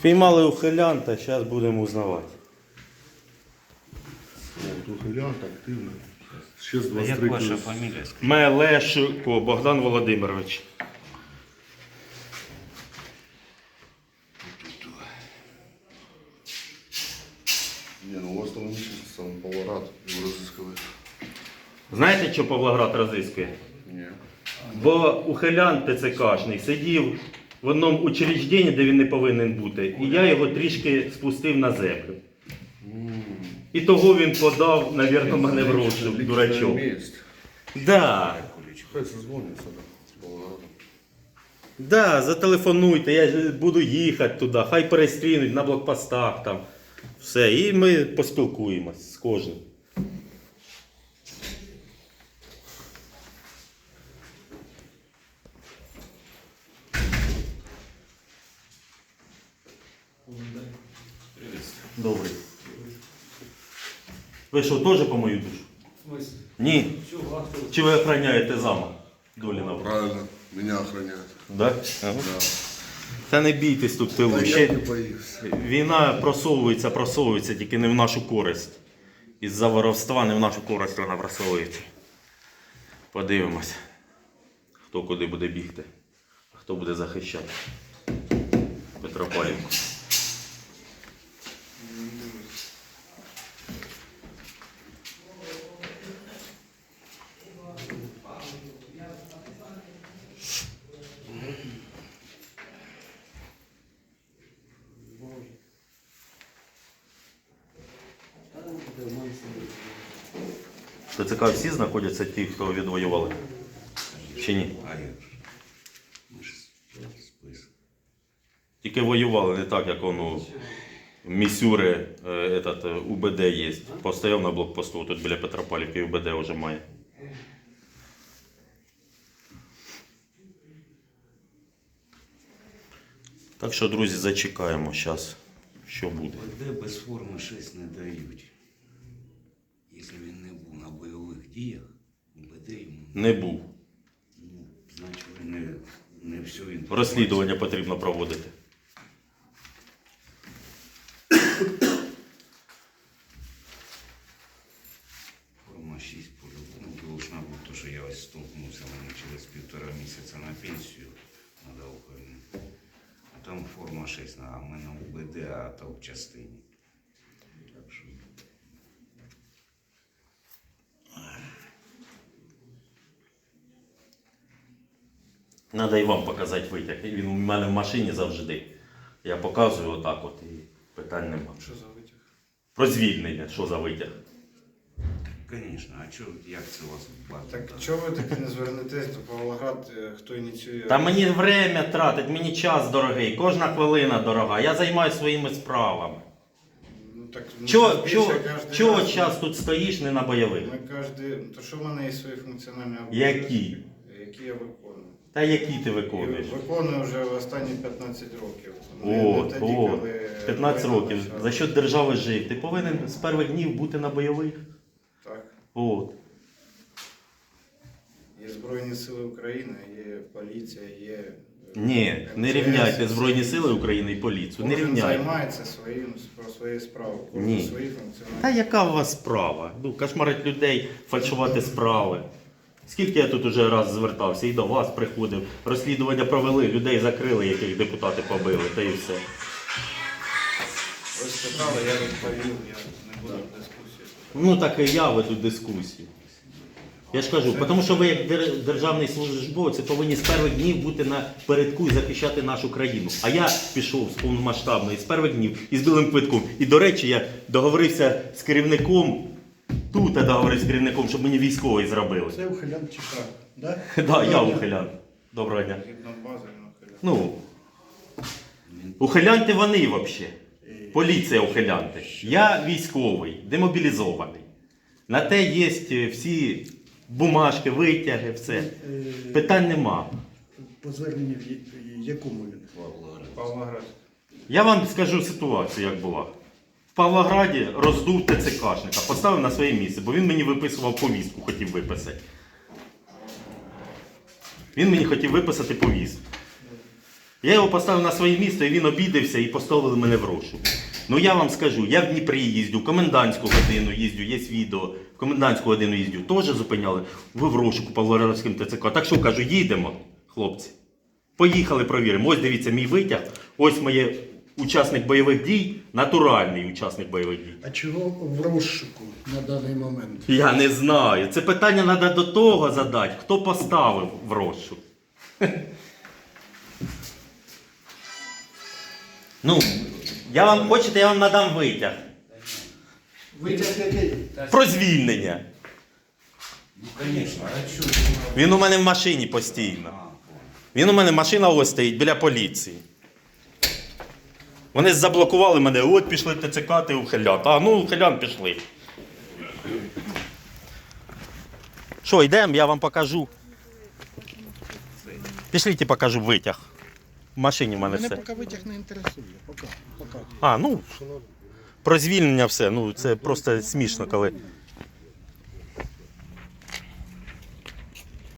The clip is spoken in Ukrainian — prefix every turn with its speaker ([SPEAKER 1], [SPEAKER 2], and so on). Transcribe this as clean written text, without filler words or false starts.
[SPEAKER 1] Піймали ухилянта, зараз будемо узнавати.
[SPEAKER 2] Ухилянт активний. Ще з
[SPEAKER 3] А як
[SPEAKER 2] 23
[SPEAKER 3] ваша фамілія?
[SPEAKER 1] Мелешко Богдан Володимирович.
[SPEAKER 2] Ні, ну у вас там місяць сам Павлоград розыскиває.
[SPEAKER 1] Знаєте, що Павлоград розіскує?
[SPEAKER 2] Ні.
[SPEAKER 1] Бо ухилян ТЦКшний сидів в одному учрежденні, де він не повинен бути, і я його трішки спустив на землю. І того він подав, мабуть, мене в розшук, дурачок. Да.
[SPEAKER 2] Хай созвоняться з Павлоградом.
[SPEAKER 1] Да, зателефонуйте, я ж буду їхати туди, хай перестрінуть на блокпостах там. Все, і ми поспілкуємось з кожним. Добрий. Ви що, теж по мою душу? Ні. Чи ви охороняєте замок Доліна?
[SPEAKER 2] Правильно, мене охороняють.
[SPEAKER 1] Да? Ага. Та не бійтесь тут в тилу.
[SPEAKER 2] Та я
[SPEAKER 1] Ще
[SPEAKER 2] не боюсь.
[SPEAKER 1] війна просовується, тільки не в нашу користь. Із-за воровства не в нашу користь вона просовується. Подивимось, хто куди буде бігти, а хто буде захищати Петропавлівку. ТЦК всі знаходяться ті, хто відвоювали? Чи ні?
[SPEAKER 3] А як же? Ми ж список.
[SPEAKER 1] Тільки воювали, не так, як воно в Місюри, УБД є. Постояв на блокпосту, тут біля Петропавлівки УБД вже має. Так що, друзі, зачекаємо зараз, що буде.
[SPEAKER 3] ОД без форми 6 не дають. Якщо він не був на бойових діях, УБД йому
[SPEAKER 1] Не був.
[SPEAKER 3] значить не все він.
[SPEAKER 1] Розслідування потрібно проводити.
[SPEAKER 3] Форма 6 по-любому должна бути, тому що я ось столкнувся, мені через 1,5 місяця на пенсію треба уходити. А там форма 6, а в мене УБД, а то в частині. Так що...
[SPEAKER 1] Треба і вам показати витяг. Він у мене в машині завжди. Я показую отак от і питань нема.
[SPEAKER 4] Що за витяг?
[SPEAKER 1] Про звільнення, що за витяг.
[SPEAKER 3] Звісно, а чого, як це у вас в базі?
[SPEAKER 4] Так чого ви таки не звернетесь до Павлоград, хто ініціює?
[SPEAKER 1] Та мені время тратить, мені час дорогий, кожна хвилина дорога. Я займаюся своїми справами.
[SPEAKER 4] Ну, так,
[SPEAKER 1] Чого час тут стоїш, не на бойових?
[SPEAKER 4] Ми кожен... То що в мене є свої функціональні
[SPEAKER 1] Які?
[SPEAKER 4] Які я виконую.
[SPEAKER 1] Та які ти
[SPEAKER 4] І
[SPEAKER 1] виконуєш?
[SPEAKER 4] виконую вже останні 15 років.
[SPEAKER 1] От,
[SPEAKER 4] тоді,
[SPEAKER 1] от.
[SPEAKER 4] коли
[SPEAKER 1] 15
[SPEAKER 4] війна
[SPEAKER 1] років.
[SPEAKER 4] почалась.
[SPEAKER 1] За що держави жив? Ти повинен з перших днів бути на бойових.
[SPEAKER 4] Так.
[SPEAKER 1] От.
[SPEAKER 4] Є Збройні Сили України, є поліція, є...
[SPEAKER 1] Ні, не
[SPEAKER 4] МЧС,
[SPEAKER 1] рівняйте Збройні Сили України і поліцію. Не
[SPEAKER 4] Кожен
[SPEAKER 1] рівняйте.
[SPEAKER 4] займається своєю справою. Кожен
[SPEAKER 1] Ні.
[SPEAKER 4] свої функціональні.
[SPEAKER 1] Та яка у вас справа? Ну, кошмарить людей, фальшувати справи. Скільки я тут уже раз звертався і до вас приходив, розслідування провели, людей закрили, яких депутати побили, та і все.
[SPEAKER 4] Ви спитали, я відповів, я не буду в дискусії.
[SPEAKER 1] Ну так і я веду дискусію. Я ж кажу, тому що ви як державний службовець повинні з перших днів бути на передку і захищати нашу країну. А я пішов з повномасштабної, з перших днів із білим квитком. І, до речі, я договорився з керівником, тут я договорився з керівником, щоб мені військовий зробили.
[SPEAKER 5] Це ухилян чекав, да?
[SPEAKER 1] Так, я ухилян. Доброго дня.
[SPEAKER 4] Згідно бази, він ухиляв.
[SPEAKER 1] Ну, ухилянти вони взагалі. Поліція ухилянти. Я військовий, демобілізований. На те є всі бумажки, витяги, все. Питань нема.
[SPEAKER 5] По зверненню в якому він?
[SPEAKER 4] Павлоград.
[SPEAKER 1] Я вам скажу ситуацію, як була. В Павлограді роздув ТЦКшника, поставив на своє місце, бо він мені виписував повістку, хотів виписати. Він мені хотів виписати повістку. Я його поставив на своє місце, і він обідався і поставили мене в розшук. Ну я вам скажу, я в Дніпрі їздю, в комендантську годину їздю, є відео, в комендантську годину їздю, теж зупиняли, ви в розшуку Павлоградським ТЦК. Так що кажу, їдемо, хлопці. Поїхали, провіримо. Ось дивіться мій витяг, ось моє учасник бойових дій, натуральний учасник бойових дій.
[SPEAKER 5] А чого в розшуку на даний момент?
[SPEAKER 1] Я не знаю. Це питання треба до того задати, хто поставив в розшук. Ну, я вам хочете, я вам надам витяг.
[SPEAKER 5] Витяг який?
[SPEAKER 1] Про звільнення.
[SPEAKER 3] Ну, звісно, а що?
[SPEAKER 1] Він у мене в машині постійно. Він у мене машина ось стоїть біля поліції. Вони заблокували мене, от пішли ТЦК, ти ухилян. А, ну ухилян пішли. Що, йдемо, я вам покажу. Пішліть, покажу витяг. В машині в мене
[SPEAKER 5] Мене
[SPEAKER 1] все.
[SPEAKER 5] поки витяг не інтересує. Поки.
[SPEAKER 1] А, ну, про звільнення все. Ну, це просто смішно, коли